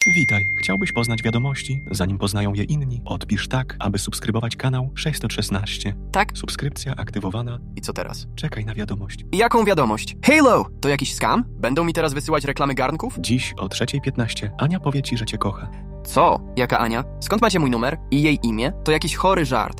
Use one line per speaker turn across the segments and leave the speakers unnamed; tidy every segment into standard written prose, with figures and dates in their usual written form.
Witaj. Chciałbyś poznać wiadomości, zanim poznają je inni? Odpisz tak, aby subskrybować kanał 616.
Tak?
Subskrypcja aktywowana.
I co teraz?
Czekaj na wiadomość.
Jaką wiadomość? Halo! To jakiś scam? Będą mi teraz wysyłać reklamy garnków?
Dziś o 3:15 Ania powie ci, że cię kocha.
Co? Jaka Ania? Skąd macie mój numer? I jej imię? To jakiś chory żart.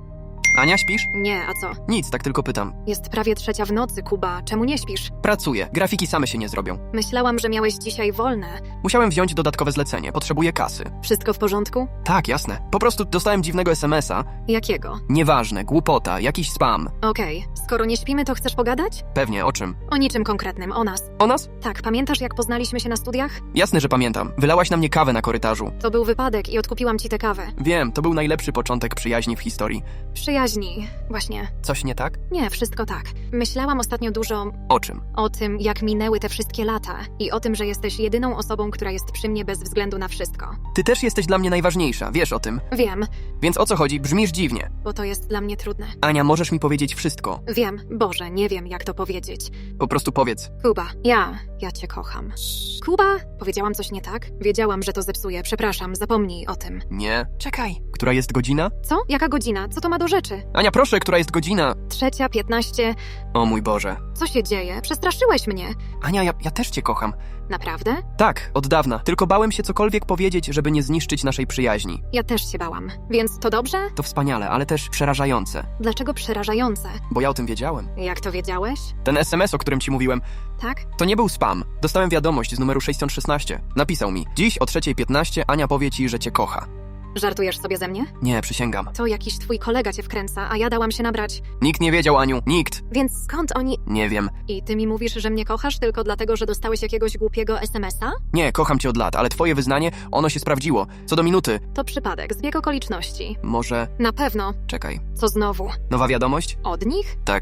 Ania, śpisz?
Nie, a co?
Nic, tak tylko pytam.
Jest prawie 3 w nocy, Kuba. Czemu nie śpisz?
Pracuję. Grafiki same się nie zrobią.
Myślałam, że miałeś dzisiaj wolne.
Musiałem wziąć dodatkowe zlecenie. Potrzebuję kasy.
Wszystko w porządku?
Tak, jasne. Po prostu dostałem dziwnego SMS-a.
Jakiego?
Nieważne, głupota, jakiś spam.
Okej. Skoro nie śpimy, to chcesz pogadać?
Pewnie, o czym?
O niczym konkretnym, o nas.
O nas?
Tak, pamiętasz jak poznaliśmy się na studiach?
Jasne, że pamiętam. Wylałaś na mnie kawę na korytarzu.
To był wypadek i odkupiłam ci tę kawę.
Wiem, to był najlepszy początek przyjaźni w historii.
Przyjaźni. Właśnie.
Coś nie tak?
Nie, wszystko tak. Myślałam ostatnio dużo
O czym?
o tym, jak minęły te wszystkie lata i o tym, że jesteś jedyną osobą, która jest przy mnie bez względu na wszystko.
Ty też jesteś dla mnie najważniejsza, wiesz o tym.
Wiem,
Więc o co chodzi? Brzmisz dziwnie.
bo to jest dla mnie trudne.
Ania, możesz mi powiedzieć wszystko.
Wiem, Boże, nie wiem jak to powiedzieć.
Po prostu powiedz.
Kuba, ja cię kocham. Kuba? Powiedziałam coś nie tak? Wiedziałam, że to zepsuje. Przepraszam, zapomnij o tym.
Nie. Czekaj. Która jest godzina?
Co? Jaka godzina? Co to ma do rzeczy?
Ania, proszę, która jest godzina?
3:15.
O mój Boże.
Co się dzieje? Przestraszyłeś mnie.
Ania, ja też cię kocham.
Naprawdę?
Tak, od dawna. Tylko bałem się cokolwiek powiedzieć, żeby nie zniszczyć naszej przyjaźni.
Ja też się bałam. Więc to dobrze?
To wspaniale, ale też przerażające.
Dlaczego przerażające?
Bo ja o tym wiedziałem.
Jak to wiedziałeś?
Ten SMS, o którym ci mówiłem,
Tak?
to nie był spam. Dostałem wiadomość z numeru 616. Napisał mi: dziś o 3:15 Ania powie ci, że cię kocha.
Żartujesz sobie ze mnie?
Nie, przysięgam.
To jakiś twój kolega cię wkręca, a ja dałam się nabrać.
Nikt nie wiedział, Aniu. Nikt.
Więc skąd oni...
Nie wiem.
I ty mi mówisz, że mnie kochasz tylko dlatego, że dostałeś jakiegoś głupiego SMS-a?
Nie, kocham cię od lat, ale twoje wyznanie, ono się sprawdziło. Co do minuty.
To przypadek, zbieg okoliczności.
Może...
Na pewno.
Czekaj.
Co znowu?
Nowa wiadomość?
Od nich?
Tak.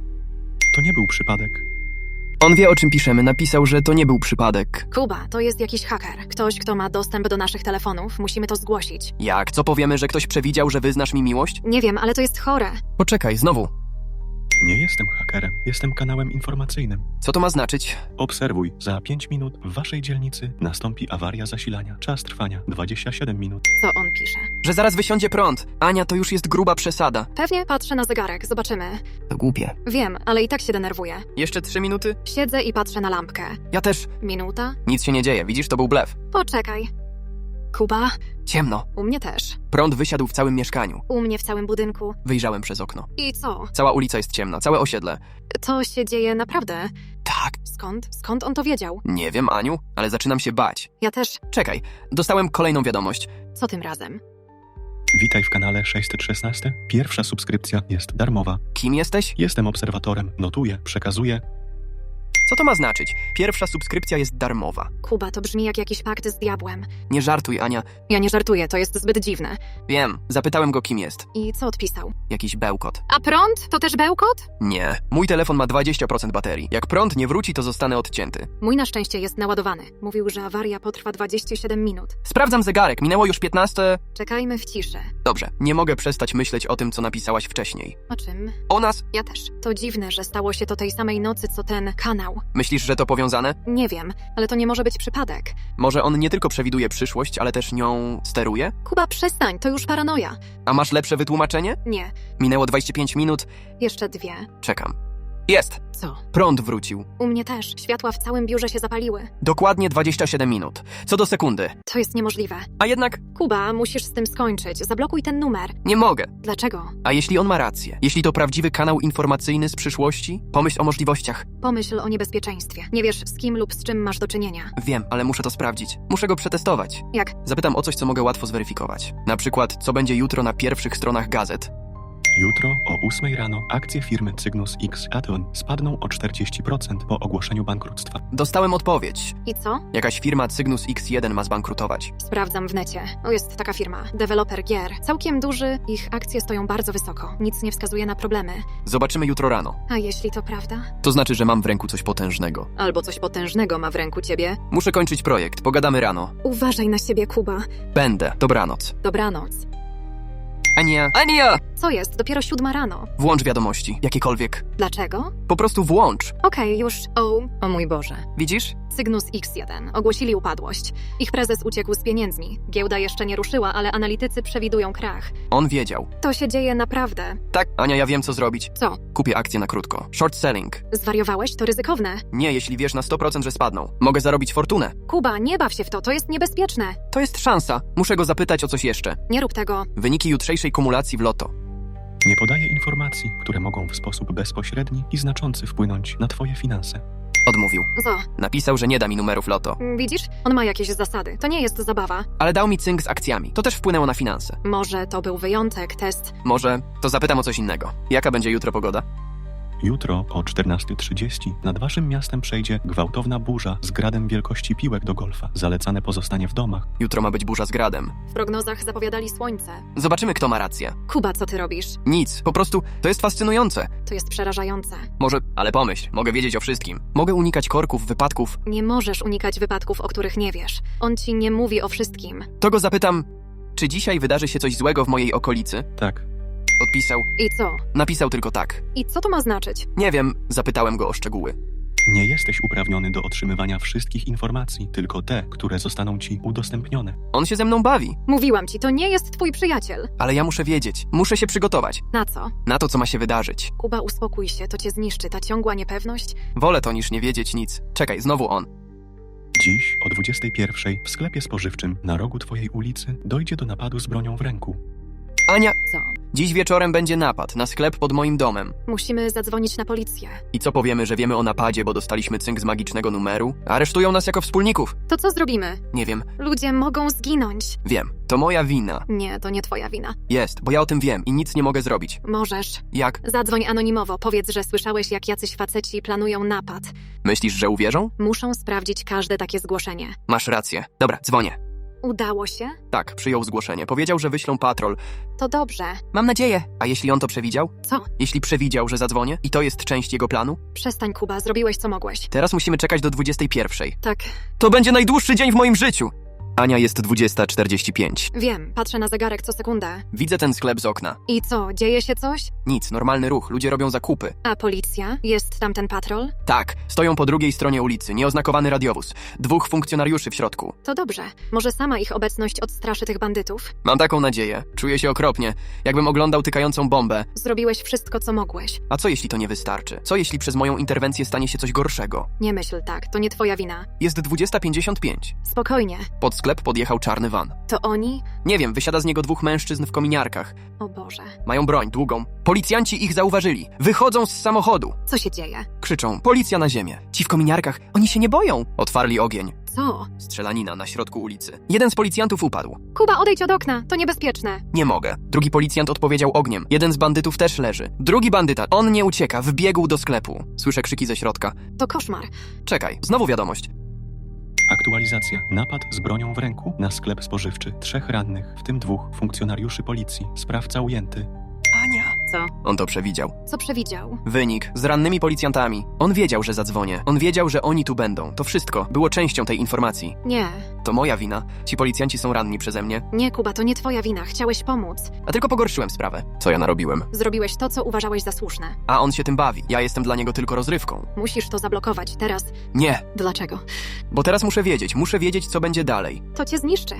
To nie był przypadek.
On wie, o czym piszemy. Napisał, że to nie był przypadek.
Kuba, to jest jakiś haker. Ktoś, kto ma dostęp do naszych telefonów. Musimy to zgłosić.
Jak? Co powiemy, że ktoś przewidział, że wyznasz mi miłość?
Nie wiem, ale to jest chore.
Poczekaj, znowu.
Nie jestem hakerem. Jestem kanałem informacyjnym.
Co to ma znaczyć?
Obserwuj. Za 5 minut w waszej dzielnicy nastąpi awaria zasilania. Czas trwania 27 minut.
Co on pisze?
Że zaraz wysiądzie prąd. Ania, to już jest gruba przesada.
Pewnie patrzę na zegarek, zobaczymy.
To głupie.
Wiem, ale i tak się denerwuję.
Jeszcze 3 minuty?
Siedzę i patrzę na lampkę.
Ja też.
Minuta?
Nic się nie dzieje, widzisz, to był blef.
Poczekaj. Kuba?
Ciemno.
U mnie też.
Prąd wysiadł w całym mieszkaniu.
U mnie w całym budynku.
Wyjrzałem przez okno.
I co?
Cała ulica jest ciemna, całe osiedle.
To się dzieje naprawdę?
Tak.
Skąd? Skąd on to wiedział?
Nie wiem, Aniu, ale zaczynam się bać.
Ja też.
Czekaj, dostałem kolejną wiadomość.
Co tym razem?
Witaj w kanale 616. Pierwsza subskrypcja jest darmowa.
Kim jesteś?
Jestem obserwatorem. Notuję, przekazuję.
Co to ma znaczyć? Pierwsza subskrypcja jest darmowa.
Kuba, to brzmi jak jakiś pakt z diabłem.
Nie żartuj, Ania.
Ja nie żartuję, to jest zbyt dziwne.
Wiem, zapytałem go, kim jest.
I co odpisał?
Jakiś bełkot.
A prąd? To też bełkot?
Nie. Mój telefon ma 20% baterii. Jak prąd nie wróci, to zostanę odcięty.
Mój na szczęście jest naładowany. Mówił, że awaria potrwa 27 minut.
Sprawdzam zegarek, minęło już 15.
Czekajmy w ciszy.
Dobrze, nie mogę przestać myśleć o tym, co napisałaś wcześniej.
O czym?
O nas?
Ja też. To dziwne, że stało się to tej samej nocy, co ten kanał.
Myślisz, że to powiązane?
Nie wiem, ale to nie może być przypadek.
Może on nie tylko przewiduje przyszłość, ale też nią steruje?
Kuba, przestań, to już paranoja.
A masz lepsze wytłumaczenie?
Nie,
Minęło 25 minut.
jeszcze 2.
Czekam. Jest!
Co?
Prąd wrócił.
U mnie też. Światła w całym biurze się zapaliły.
Dokładnie 27 minut. Co do sekundy.
To jest niemożliwe.
A jednak
Kuba, musisz z tym skończyć. Zablokuj ten numer.
nie mogę.
Dlaczego?
A jeśli on ma rację? Jeśli to prawdziwy kanał informacyjny z przyszłości? Pomyśl o możliwościach.
Pomyśl o niebezpieczeństwie. Nie wiesz, z kim lub z czym masz do czynienia.
Wiem, ale muszę to sprawdzić. Muszę go przetestować.
Jak?
Zapytam o coś, co mogę łatwo zweryfikować. Na przykład, co będzie jutro na pierwszych stronach gazet.
Jutro o 8 rano akcje firmy Cygnus X Aton spadną o 40% po ogłoszeniu bankructwa.
Dostałem odpowiedź.
I co?
Jakaś firma Cygnus X1 ma zbankrutować.
Sprawdzam w necie. O, jest taka firma. Deweloper gier. Całkiem duży. Ich akcje stoją bardzo wysoko. Nic nie wskazuje na problemy.
Zobaczymy jutro rano.
A jeśli to prawda?
To znaczy, że mam w ręku coś potężnego.
Albo coś potężnego ma w ręku ciebie.
Muszę kończyć projekt. Pogadamy rano.
Uważaj na siebie, Kuba.
Będę. Dobranoc.
Dobranoc.
Ania!
Co jest? Dopiero 7 rano.
Włącz wiadomości. Jakiekolwiek.
Dlaczego?
Po prostu włącz.
Okej, już. O mój Boże.
Widzisz?
Cygnus X1. Ogłosili upadłość. Ich prezes uciekł z pieniędzmi. Giełda jeszcze nie ruszyła, ale analitycy przewidują krach.
On wiedział.
To się dzieje naprawdę.
Tak, Ania, ja wiem co zrobić.
Co?
Kupię akcje na krótko. Short selling.
Zwariowałeś? To ryzykowne.
Nie, jeśli wiesz na 100%, że spadną. Mogę zarobić fortunę.
Kuba, nie baw się w to, to jest niebezpieczne.
To jest szansa. Muszę go zapytać o coś jeszcze.
Nie rób tego.
Wyniki jutrzejszej kumulacji w loto.
Nie podaje informacji, które mogą w sposób bezpośredni i znaczący wpłynąć na twoje finanse.
Odmówił.
Co?
Napisał, że nie da mi numerów loto.
Widzisz? On ma jakieś zasady. To nie jest zabawa.
Ale dał mi cynk z akcjami. To też wpłynęło na finanse.
Może to był wyjątek, test.
Może to zapytam o coś innego. Jaka będzie jutro pogoda?
Jutro o 14:30 nad waszym miastem przejdzie gwałtowna burza z gradem wielkości piłek do golfa. Zalecane pozostanie w domach.
Jutro ma być burza z gradem.
W prognozach zapowiadali słońce.
Zobaczymy, kto ma rację.
Kuba, co ty robisz?
Nic, po prostu to jest fascynujące.
To jest przerażające.
Może, ale pomyśl, mogę wiedzieć o wszystkim. Mogę unikać korków, wypadków.
Nie możesz unikać wypadków, o których nie wiesz. On ci nie mówi o wszystkim.
To go zapytam, czy dzisiaj wydarzy się coś złego w mojej okolicy?
Tak,
Odpisał.
I co?
Napisał tylko tak.
I co to ma znaczyć?
Nie wiem, zapytałem go o szczegóły.
nie jesteś uprawniony do otrzymywania wszystkich informacji, tylko te, które zostaną ci udostępnione.
On się ze mną bawi,
Mówiłam ci, to nie jest twój przyjaciel.
ale ja muszę wiedzieć. Muszę się przygotować
Na co?
na to, co ma się wydarzyć.
Kuba, uspokój się, to cię zniszczy, ta ciągła niepewność.
Wolę to niż nie wiedzieć nic. Czekaj, znowu on.
Dziś o 21:00 w sklepie spożywczym na rogu twojej ulicy dojdzie do napadu z bronią w ręku.
Ania,
Co?
dziś wieczorem będzie napad na sklep pod moim domem.
Musimy zadzwonić na policję.
I co powiemy, że wiemy o napadzie, bo dostaliśmy cynk z magicznego numeru? Aresztują nas jako wspólników.
To co zrobimy?
Nie wiem,
Ludzie mogą zginąć.
wiem. To moja wina.
Nie, to nie twoja wina.
Jest, bo ja o tym wiem i nic nie mogę zrobić.
Możesz.
Jak?
Zadzwoń anonimowo, powiedz, że słyszałeś, jak jacyś faceci planują napad.
Myślisz, że uwierzą?
Muszą sprawdzić każde takie zgłoszenie.
Masz rację. Dobra, dzwonię.
Udało się?
Tak, przyjął zgłoszenie. Powiedział, że wyślą patrol.
To dobrze.
Mam nadzieję. A jeśli on to przewidział?
Co?
Jeśli przewidział, że zadzwonię i to jest część jego planu?
Przestań, Kuba, zrobiłeś co mogłeś.
Teraz musimy czekać do 21:00.
Tak,
To będzie najdłuższy dzień w moim życiu! Ania, jest 20:45.
wiem, patrzę na zegarek co sekundę.
Widzę ten sklep z okna.
I co, dzieje się coś?
Nic, normalny ruch, ludzie robią zakupy.
A policja? Jest tam ten patrol?
Tak, stoją po drugiej stronie ulicy, nieoznakowany radiowóz. 2 funkcjonariuszy w środku.
To dobrze. Może sama ich obecność odstraszy tych bandytów?
Mam taką nadzieję. Czuję się okropnie, jakbym oglądał tykającą bombę.
Zrobiłeś wszystko, co mogłeś.
A co jeśli to nie wystarczy? Co jeśli przez moją interwencję stanie się coś gorszego?
Nie myśl tak, to nie twoja wina.
Jest 20:55.
Spokojnie.
Pod sklep podjechał czarny van.
To oni?
Nie wiem, wysiada z niego 2 mężczyzn w kominiarkach.
O Boże.
Mają broń, długą. Policjanci ich zauważyli. Wychodzą z samochodu.
Co się dzieje?
Krzyczą, policja na ziemię. Ci w kominiarkach, oni się nie boją. Otwarli ogień.
Co?
Strzelanina na środku ulicy. Jeden z policjantów upadł.
Kuba, odejdź od okna, to niebezpieczne.
Nie mogę. Drugi policjant odpowiedział ogniem. Jeden z bandytów też leży. Drugi bandyta, on nie ucieka, wbiegł do sklepu. Słyszę krzyki ze środka.
To koszmar.
Czekaj, znowu wiadomość.
Aktualizacja. Napad z bronią w ręku na sklep spożywczy. 3 rannych, w tym 2 funkcjonariuszy policji. Sprawca ujęty.
Ania.
Co?
On to przewidział.
Co przewidział?
Wynik z rannymi policjantami. On wiedział, że zadzwonię. On wiedział, że oni tu będą. To wszystko było częścią tej informacji.
Nie.
To moja wina. Ci policjanci są ranni przeze mnie.
Nie, Kuba, to nie twoja wina. Chciałeś pomóc.
A tylko pogorszyłem sprawę. Co ja narobiłem?
Zrobiłeś to, co uważałeś za słuszne.
A on się tym bawi. Ja jestem dla niego tylko rozrywką.
Musisz to zablokować. Teraz.
Nie,
Dlaczego?
bo teraz muszę wiedzieć, co będzie dalej.
To cię zniszczy.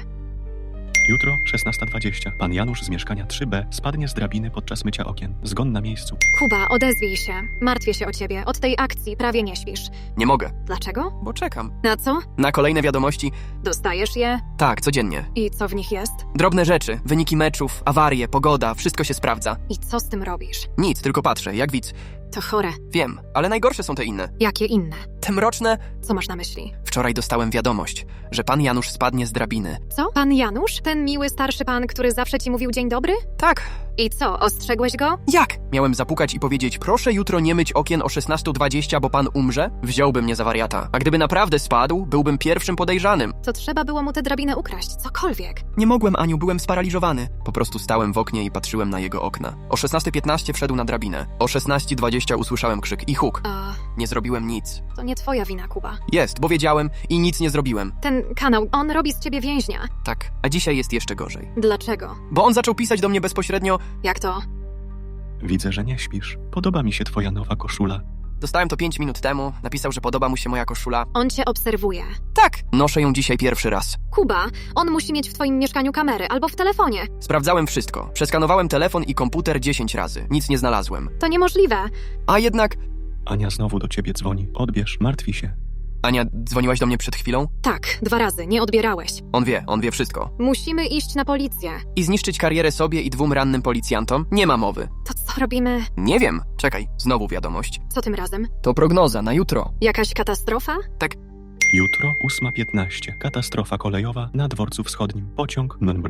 Jutro 16:20. Pan Janusz z mieszkania 3B spadnie z drabiny podczas mycia okien. Zgon na miejscu.
Kuba, odezwij się. Martwię się o ciebie. Od tej akcji prawie nie śpisz.
Nie mogę,
Dlaczego?
bo czekam.
Na co?
Na kolejne wiadomości?
Dostajesz je?
Tak, codziennie.
I co w nich jest?
Drobne rzeczy, wyniki meczów, awarie, pogoda, wszystko się sprawdza.
I co z tym robisz?
Nic, tylko patrzę, jak widz.
To chore.
Wiem, ale najgorsze są te inne.
Jakie inne?
Te mroczne.
Co masz na myśli?
Wczoraj dostałem wiadomość, że pan Janusz spadnie z drabiny.
Co? Pan Janusz? Ten miły starszy pan, który zawsze ci mówił dzień dobry?
Tak.
I co, ostrzegłeś go?
Jak? Miałem zapukać i powiedzieć, proszę jutro nie myć okien o 16:20, bo pan umrze? Wziąłby mnie za wariata. A gdyby naprawdę spadł, byłbym pierwszym podejrzanym.
To trzeba było mu tę drabinę ukraść, cokolwiek.
Nie mogłem, Aniu, byłem sparaliżowany. Po prostu stałem w oknie i patrzyłem na jego okna. O 16:15 wszedł na drabinę. O 16:20 usłyszałem krzyk i huk.
A
Nie zrobiłem nic.
to nie twoja wina, Kuba.
Jest, bo wiedziałem i nic nie zrobiłem.
Ten kanał, on robi z ciebie więźnia.
Tak, a dzisiaj jest jeszcze gorzej.
Dlaczego?
Bo on zaczął pisać do mnie bezpośrednio.
Jak to?
Widzę, że nie śpisz. Podoba mi się twoja nowa koszula.
Dostałem to 5 minut temu. Napisał, że podoba mu się moja koszula.
On cię obserwuje.
Tak, noszę ją dzisiaj pierwszy raz.
Kuba, on musi mieć w twoim mieszkaniu kamery albo w telefonie.
Sprawdzałem wszystko. Przeskanowałem telefon i komputer 10 razy. Nic nie znalazłem.
To niemożliwe.
A jednak...
Ania znowu do ciebie dzwoni. Odbierz, martwi się.
Ania, dzwoniłaś do mnie przed chwilą?
Tak, 2 razy, nie odbierałeś.
On wie wszystko.
Musimy iść na policję.
I zniszczyć karierę sobie i 2 rannym policjantom? Nie ma mowy.
To co robimy?
Nie wiem. Czekaj, znowu wiadomość.
Co tym razem?
To prognoza na jutro.
Jakaś katastrofa?
Jutro 8:15. Katastrofa kolejowa na dworcu wschodnim. Pociąg nr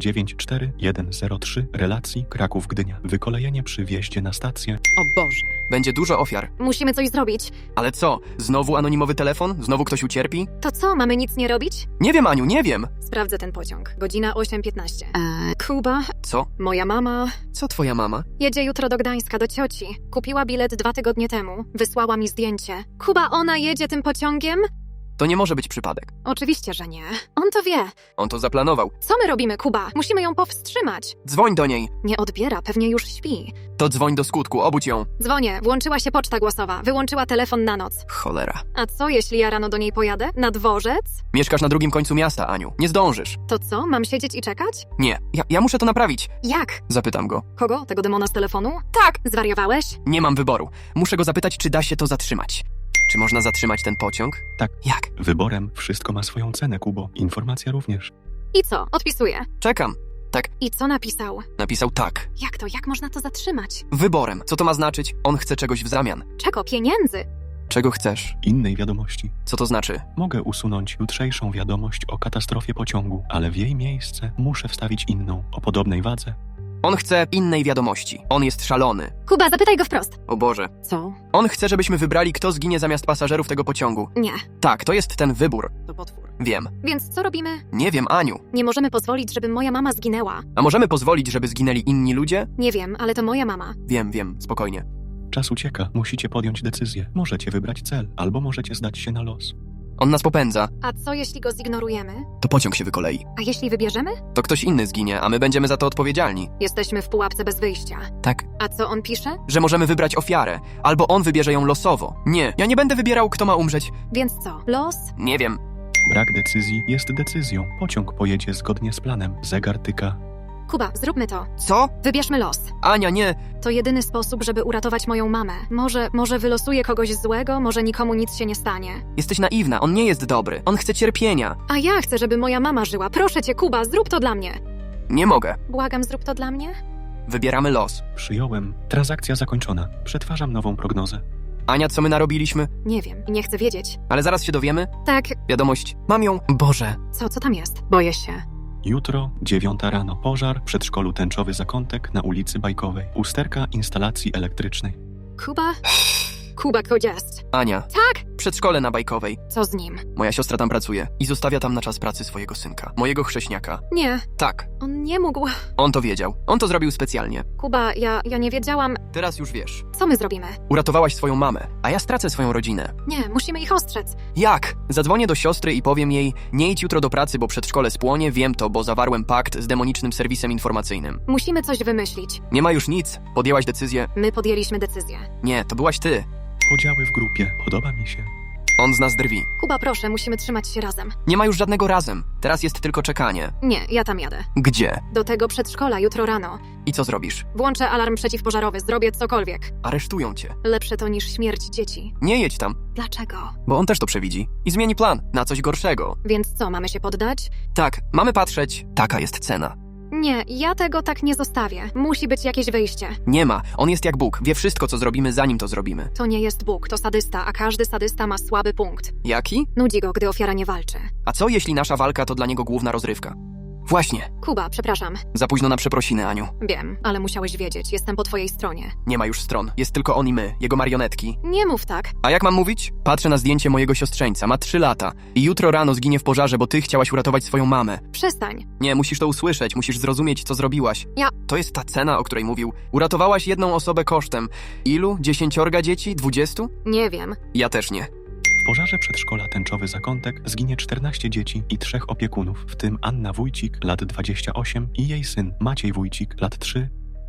94103 relacji Kraków-Gdynia. Wykolejenie przy wjeździe na stację.
O Boże.
Będzie dużo ofiar.
Musimy coś zrobić.
Ale co? Znowu anonimowy telefon? Znowu ktoś ucierpi?
To co, mamy nic nie robić?
Nie wiem, Aniu, nie wiem.
Sprawdzę ten pociąg. Godzina 8:15. Kuba,
Co?
moja mama
Co twoja mama?
jedzie jutro do Gdańska, do cioci. Kupiła bilet 2 tygodnie temu. Wysłała mi zdjęcie. Kuba, ona jedzie tym pociągiem?
To nie może być przypadek.
Oczywiście, że nie. On to wie.
On to zaplanował.
Co my robimy, Kuba? Musimy ją powstrzymać.
Dzwoń do niej.
Nie odbiera, pewnie już śpi.
To dzwoń do skutku, obudź ją.
Dzwonię, włączyła się poczta głosowa, wyłączyła telefon na noc.
Cholera.
A co, jeśli ja rano do niej pojadę? Na dworzec?
Mieszkasz na drugim końcu miasta, Aniu. Nie zdążysz.
To co, mam siedzieć i czekać?
Nie, ja muszę to naprawić.
Jak?
Zapytam go.
Kogo? Tego demona z telefonu?
Tak!
Zwariowałeś?
Nie mam wyboru. Muszę go zapytać, czy da się to zatrzymać. Czy można zatrzymać ten pociąg?
Tak.
Jak?
Wyborem wszystko ma swoją cenę, Kubo. Informacja również.
I co? Odpisuję.
Czekam. Tak,
I co napisał?
napisał tak.
Jak to? Jak można to zatrzymać?
Wyborem. Co to ma znaczyć? On chce czegoś w zamian.
Czego? Pieniędzy?
Czego chcesz?
Innej wiadomości.
Co to znaczy?
Mogę usunąć jutrzejszą wiadomość o katastrofie pociągu, ale w jej miejsce muszę wstawić inną, o podobnej wadze.
On chce innej wiadomości. On jest szalony.
Kuba, zapytaj go wprost.
O Boże.
Co?
On chce, żebyśmy wybrali, kto zginie zamiast pasażerów tego pociągu.
Nie.
Tak, to jest ten wybór.
To potwór.
Wiem.
Więc co robimy?
Nie wiem, Aniu.
Nie możemy pozwolić, żeby moja mama zginęła.
A możemy pozwolić, żeby zginęli inni ludzie?
Nie wiem, ale to moja mama.
Wiem, spokojnie.
Czas ucieka, musicie podjąć decyzję. Możecie wybrać cel, albo możecie zdać się na los.
On nas popędza.
A co jeśli go zignorujemy?
To pociąg się wykolei.
A jeśli wybierzemy?
To ktoś inny zginie, a my będziemy za to odpowiedzialni.
Jesteśmy w pułapce bez wyjścia.
Tak.
A co on pisze?
Że możemy wybrać ofiarę. Albo on wybierze ją losowo. Nie, ja nie będę wybierał, kto ma umrzeć.
Więc co? Los?
Nie wiem.
Brak decyzji jest decyzją. Pociąg pojedzie zgodnie z planem. Zegar tyka.
Kuba, zróbmy to.
Co?
Wybierzmy los.
Ania, nie.
To jedyny sposób, żeby uratować moją mamę. Może wylosuję kogoś złego, może nikomu nic się nie stanie.
Jesteś naiwna, on nie jest dobry. On chce cierpienia.
A ja chcę, żeby moja mama żyła. Proszę cię, Kuba, zrób to dla mnie.
Nie mogę.
Błagam, zrób to dla mnie.
Wybieramy los.
Przyjąłem. Transakcja zakończona. Przetwarzam nową prognozę.
Ania, co my narobiliśmy?
Nie wiem, nie chcę wiedzieć.
Ale zaraz się dowiemy.
Tak,
Wiadomość. Mam ją. Boże.
co tam jest? Boję się.
Jutro, 9 rano. Pożar w przedszkolu Tęczowy Zakątek na ulicy Bajkowej. Usterka instalacji elektrycznej.
Kuba? Kuba, gdzie jest?
Ania.
Tak!
Przedszkole na Bajkowej.
Co z nim?
Moja siostra tam pracuje i zostawia tam na czas pracy swojego synka. Mojego chrześniaka.
Nie,
Tak.
on nie mógł.
On to wiedział. On to zrobił specjalnie.
Kuba, ja nie wiedziałam.
Teraz już wiesz.
Co my zrobimy?
Uratowałaś swoją mamę, a ja stracę swoją rodzinę.
Nie, musimy ich ostrzec.
Jak? Zadzwonię do siostry i powiem jej, nie idź jutro do pracy, bo przedszkole spłonie, wiem to, bo zawarłem pakt z demonicznym serwisem informacyjnym.
Musimy coś wymyślić.
Nie ma już nic. Podjęłaś decyzję?
My podjęliśmy decyzję.
Nie, to byłaś ty.
Podziały w grupie. Podoba mi się.
On z nas drwi.
Kuba, proszę, musimy trzymać się razem.
Nie ma już żadnego razem. Teraz jest tylko czekanie.
Nie, ja tam jadę.
Gdzie?
Do tego przedszkola jutro rano.
I co zrobisz?
Włączę alarm przeciwpożarowy, zrobię cokolwiek.
Aresztują cię.
Lepsze to niż śmierć dzieci.
Nie jedź tam,
Dlaczego?
bo on też to przewidzi. I zmieni plan na coś gorszego.
Więc co, mamy się poddać?
Tak, mamy patrzeć. Taka jest cena.
Nie, ja tego tak nie zostawię. Musi być jakieś wyjście.
Nie ma. On jest jak Bóg. Wie wszystko, co zrobimy, zanim to zrobimy.
To nie jest Bóg, to sadysta, a każdy sadysta ma słaby punkt.
Jaki?
Nudzi go, gdy ofiara nie walczy.
A co jeśli nasza walka to dla niego główna rozrywka? Właśnie.
Kuba, przepraszam.
Za późno na przeprosiny, Aniu.
Wiem, ale musiałeś wiedzieć, jestem po twojej stronie.
Nie ma już stron. Jest tylko on i my, jego marionetki.
Nie mów tak.
A jak mam mówić? Patrzę na zdjęcie mojego siostrzeńca. Ma 3 lata. I jutro rano zginie w pożarze, bo ty chciałaś uratować swoją mamę.
Przestań.
Nie, musisz to usłyszeć. Musisz zrozumieć, co zrobiłaś.
Ja-
To jest ta cena, o której mówił. Uratowałaś jedną osobę kosztem. Ilu? 10 dzieci? 20?
Nie wiem.
Ja też nie.
W pożarze przedszkola Tęczowy Zakątek zginie 14 dzieci i 3 opiekunów, w tym Anna Wójcik, lat 28 i jej syn Maciej Wójcik, lat 3.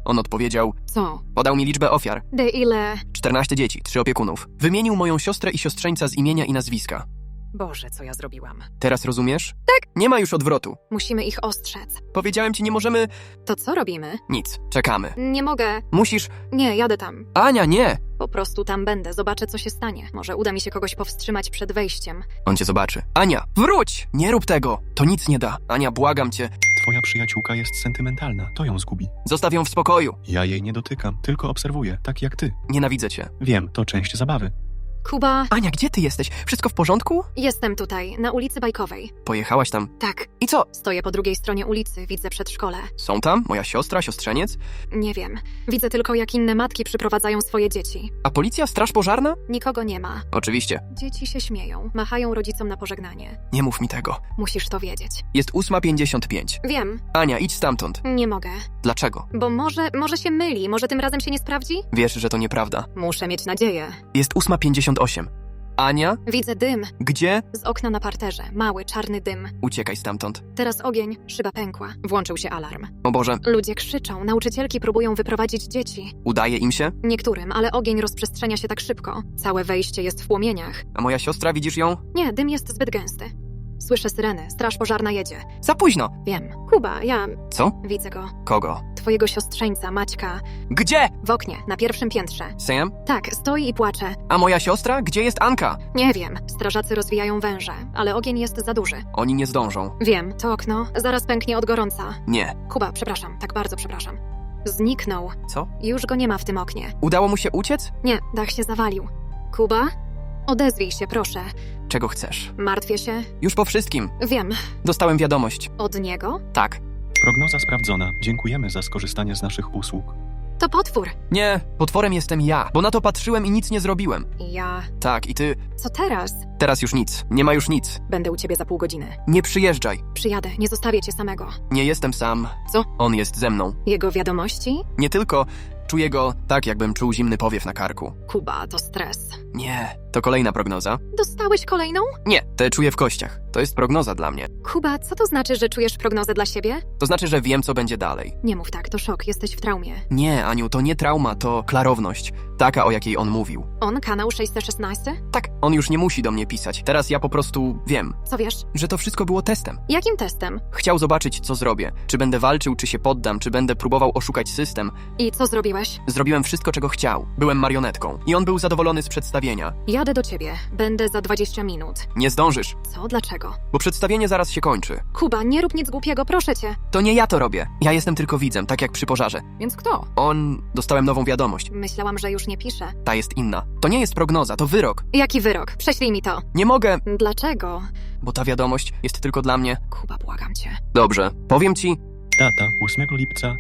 On odpowiedział,
Co?
podał mi liczbę ofiar.
Ile?
14 dzieci, 3 opiekunów. Wymienił moją siostrę i siostrzeńca z imienia i nazwiska.
Boże, co ja zrobiłam?
Teraz rozumiesz? Tak. Nie ma już odwrotu.
Musimy ich ostrzec.
Powiedziałem ci, nie możemy...
To co robimy?
Nic. Czekamy.
Nie mogę.
Musisz...
Nie, jadę tam.
Ania, nie!
Po prostu tam będę, zobaczę, co się stanie. Może uda mi się kogoś powstrzymać przed wejściem.
On cię zobaczy. Ania, wróć! Nie rób tego. To nic nie da. Ania, błagam cię.
Twoja przyjaciółka jest sentymentalna, to ją zgubi.
Zostaw ją w spokoju.
Ja jej nie dotykam, tylko obserwuję, tak jak ty.
Nienawidzę cię.
Wiem, to część zabawy.
Kuba,
Ania, gdzie ty jesteś? Wszystko w porządku?
jestem tutaj, na ulicy Bajkowej.
Pojechałaś tam.
Tak,
I co?
stoję po drugiej stronie ulicy, widzę przedszkole.
Są tam? Moja siostra, siostrzeniec?
Nie wiem, widzę tylko, jak inne matki przyprowadzają swoje dzieci.
A policja, straż pożarna?
Nikogo nie ma.
Oczywiście.
Dzieci się śmieją, machają rodzicom na pożegnanie.
Nie mów mi tego.
Musisz to wiedzieć.
Jest 8:55.
Wiem,
Ania, idź stamtąd.
nie mogę.
Dlaczego?
Bo może się myli, może tym razem się nie sprawdzi?
Wiesz, że to nieprawda.
Muszę mieć nadzieję.
Jest 8:58. Ania?
Widzę dym
Gdzie?
z okna na parterze, mały, czarny dym.
Uciekaj stamtąd.
Teraz ogień, szyba pękła. Włączył się alarm.
O Boże,
Ludzie krzyczą, nauczycielki próbują wyprowadzić dzieci.
udaje im się?
Niektórym, ale ogień rozprzestrzenia się tak szybko. Całe wejście jest w płomieniach.
A moja siostra, widzisz ją?
Nie, dym jest zbyt gęsty. Słyszę syreny, straż pożarna jedzie.
Za późno.
Wiem. Kuba, ja
Co?
widzę go.
Kogo?
Twojego siostrzeńca, Maćka.
Gdzie?
W oknie, na pierwszym piętrze.
Sam?
Tak, stoi i płacze.
A moja siostra? Gdzie jest Anka?
Nie wiem, strażacy rozwijają węże, ale ogień jest za duży.
Oni nie zdążą.
Wiem, to okno zaraz pęknie od gorąca.
Nie.
Kuba, przepraszam, tak bardzo przepraszam. Zniknął.
Co?
Już go nie ma w tym oknie.
Udało mu się uciec?
Nie, dach się zawalił. Kuba? Odezwij się, proszę.
Czego chcesz?
Martwię się.
Już po wszystkim.
Wiem.
Dostałem wiadomość.
Od niego?
Tak.
Prognoza sprawdzona. Dziękujemy za skorzystanie z naszych usług.
To potwór.
Nie, potworem jestem ja, bo na to patrzyłem i nic nie zrobiłem.
Ja...
Tak, i ty...
Co teraz?
Teraz już nic. Nie ma już nic.
Będę u ciebie za pół godziny.
Nie przyjeżdżaj.
Przyjadę, nie zostawię cię samego.
Nie jestem sam.
Co?
On jest ze mną.
Jego wiadomości?
Nie tylko... Czuję go tak, jakbym czuł zimny powiew na karku.
Kuba, to stres.
Nie. To kolejna prognoza?
Dostałeś kolejną?
Nie, te czuję w kościach. To jest prognoza dla mnie.
Kuba, co to znaczy, że czujesz prognozę dla siebie?
To znaczy, że wiem, co będzie dalej.
Nie mów tak, to szok, jesteś w traumie.
Nie, Aniu, to nie trauma, to klarowność. Taka, o jakiej on mówił.
On, kanał 616?
Tak, on już nie musi do mnie pisać. Teraz ja po prostu wiem,
Co wiesz?
że to wszystko było testem.
Jakim testem?
Chciał zobaczyć, co zrobię. Czy będę walczył, czy się poddam, czy będę próbował oszukać system.
I co zrobiłeś?
Zrobiłem wszystko, czego chciał. Byłem marionetką. I on był zadowolony z przedstawienia.
Jadę do ciebie. Będę za 20 minut.
Nie zdążysz,
Co? Dlaczego?
bo przedstawienie zaraz się kończy.
Kuba, nie rób nic głupiego, proszę cię.
To nie ja to robię. Ja jestem tylko widzem, tak jak przy pożarze.
Więc kto?
Dostałem nową wiadomość.
Myślałam, że już nie pisze.
Ta jest inna. To nie jest prognoza, to wyrok.
Jaki wyrok? Prześlij mi to.
Nie mogę,
Dlaczego?
bo ta wiadomość jest tylko dla mnie.
Kuba, błagam cię.
Dobrze, powiem ci,
Data 8 lipca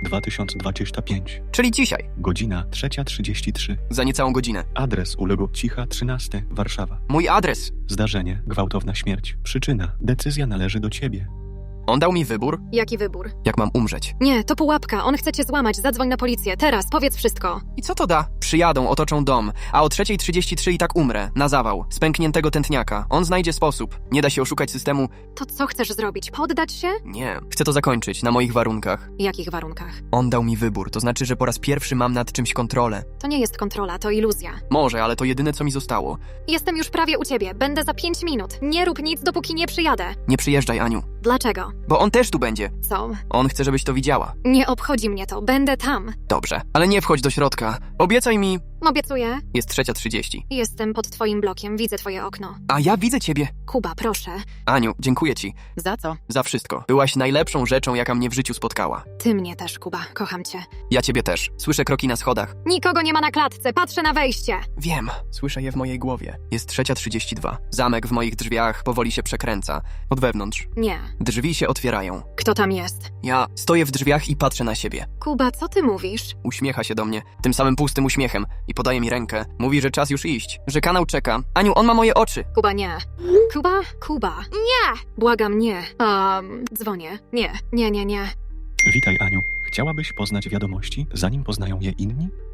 2025.
czyli dzisiaj,
Godzina 3:33.
za niecałą godzinę.
Adres uległ Cicha 13, Warszawa.
Mój adres.
Zdarzenie, gwałtowna śmierć. Przyczyna, decyzja należy do ciebie.
On dał mi wybór,
Jaki wybór?
jak mam umrzeć.
Nie, to pułapka. On chce cię złamać. Zadzwoń na policję. Teraz, powiedz wszystko.
I co to da? Przyjadą, otoczą dom, a o 3:33 i tak umrę, na zawał, z pękniętego tętniaka. On znajdzie sposób. Nie da się oszukać systemu.
To co chcesz zrobić? Poddać się?
Nie. Chcę to zakończyć, na moich warunkach.
Jakich warunkach?
On dał mi wybór, to znaczy, że po raz pierwszy mam nad czymś kontrolę.
To nie jest kontrola, to iluzja.
Może, ale to jedyne, co mi zostało.
Jestem już prawie u ciebie. Będę za 5 minut. Nie rób nic, dopóki nie przyjadę.
Nie przyjeżdżaj, Aniu,
Dlaczego?
bo on też tu będzie.
Co?
On chce, żebyś to widziała.
Nie obchodzi mnie to. Będę tam.
Dobrze, ale nie wchodź do środka. Obiecaj mi...
Obiecuję.
Jest 3:30.
Jestem pod twoim blokiem. Widzę twoje okno.
A ja widzę ciebie.
Kuba, proszę.
Aniu, dziękuję ci
Za co?
za wszystko. Byłaś najlepszą rzeczą, jaka mnie w życiu spotkała.
Ty mnie też, Kuba. Kocham cię.
Ja ciebie też. Słyszę kroki na schodach.
Nikogo nie ma na klatce. Patrzę na wejście.
Wiem, słyszę je w mojej głowie. Jest 3:32. Zamek w moich drzwiach powoli się przekręca. Od wewnątrz.
Nie.
Drzwi się otwierają.
Kto tam jest?
Ja stoję w drzwiach i patrzę na siebie.
Kuba, co ty mówisz?
Uśmiecha się do mnie, tym samym pustym uśmiechem i podaje mi rękę. Mówi, że czas już iść, że kanał czeka. Aniu, on ma moje oczy.
Kuba, nie. Kuba. Nie! Błagam, nie. Dzwonię. Nie.
Witaj, Aniu. Chciałabyś poznać wiadomości, zanim poznają je inni?